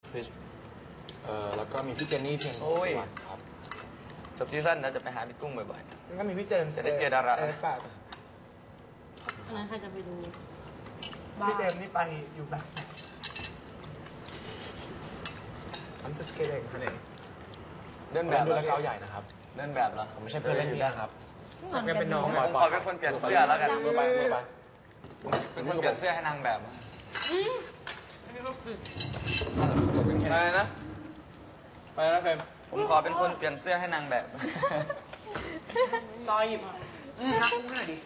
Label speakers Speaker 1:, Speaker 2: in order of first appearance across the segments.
Speaker 1: แล้วก็มีพี่เจนนี่เทียนสุวรรณครับ
Speaker 2: จบซีซั่นเราจะไปหาพี่กุ้งบ่อย
Speaker 3: แล้วก็มีพี่เจมส์
Speaker 2: จะได้เจอดารา
Speaker 3: ป่ะ
Speaker 4: อันนั้นใครจะไปดู
Speaker 3: พี่เจมส์นี่ไปอยู่แบบI'm just kidding honey
Speaker 2: ๆเดิน
Speaker 1: แบ
Speaker 2: แบบ บ
Speaker 1: ดูแลเกาใหญ่นะครับ
Speaker 2: เดินแบบเหรอ
Speaker 1: ผมไม่ใช่เพื่อนเล่นพี่นะครับ
Speaker 3: ทำกันเป็นน้อง
Speaker 2: ผมขอเป็นคนเปลี่ยนเสื้อแล้วกัน
Speaker 1: มือไปมือไป
Speaker 2: เป็นคนเปลี่ยนเสื้อให้นางแบบ
Speaker 1: อะไรนะอะไรนะเฟรม
Speaker 2: ผมขอเป็นคนเปลี่ยนเสื้อให้นางแบบ
Speaker 3: ซอยหยิบนักหน่อยดิ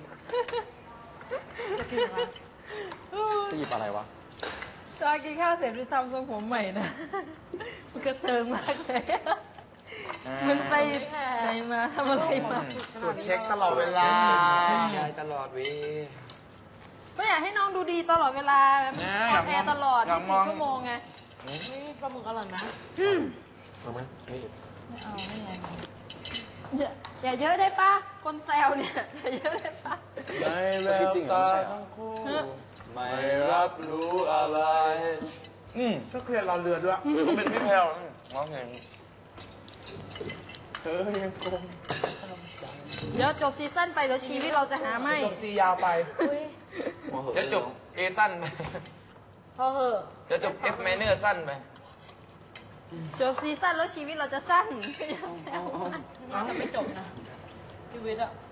Speaker 4: จะกินอะไร
Speaker 1: จะหยิบอะไรวะ
Speaker 5: จอยกินข้าวเสร็จไปทำทรงผมใหม่นะ มันกระเซิงมากเลย มันไปไหนมาทำอะไรมา
Speaker 3: ตรวจเช็คตลอดเวลา
Speaker 1: ยายตลอดวี
Speaker 5: ไม่อยากให้น้องดูดีตลอดเวลาออนแอร์ตลอด 24 ชั่วโมงไง
Speaker 4: นี่ปลาหมึกอร่อยไหม
Speaker 1: เอาไหมนี่
Speaker 4: ไม่เอาไม่ไง
Speaker 5: อย่าเยอะได้ปะคนแซวเนี่ยอย่าเยอะได้ปะ
Speaker 1: ไม่แววตาทั้งคู่ไม่รับรู้อะไร
Speaker 3: ช่วยเคลียร์รอเรือด้วย
Speaker 2: เขาเป็นพี่แพลวร้องเพลง
Speaker 1: เธอยังคง
Speaker 5: เดี๋ยวจบซีซั่นไปเดี๋ยวชีวิตเราจะหาไม่
Speaker 3: จบซียาวไป
Speaker 4: อุ้ย
Speaker 2: จะจบ A สั้นไป
Speaker 4: พอเหอะ
Speaker 2: จะจบ F minor สั้นไป
Speaker 5: จบซีซั่นแล้วชีวิตเราจะสั้นอย่าแซวมาก
Speaker 4: น่าจะไม่จบนะชีวิตอะ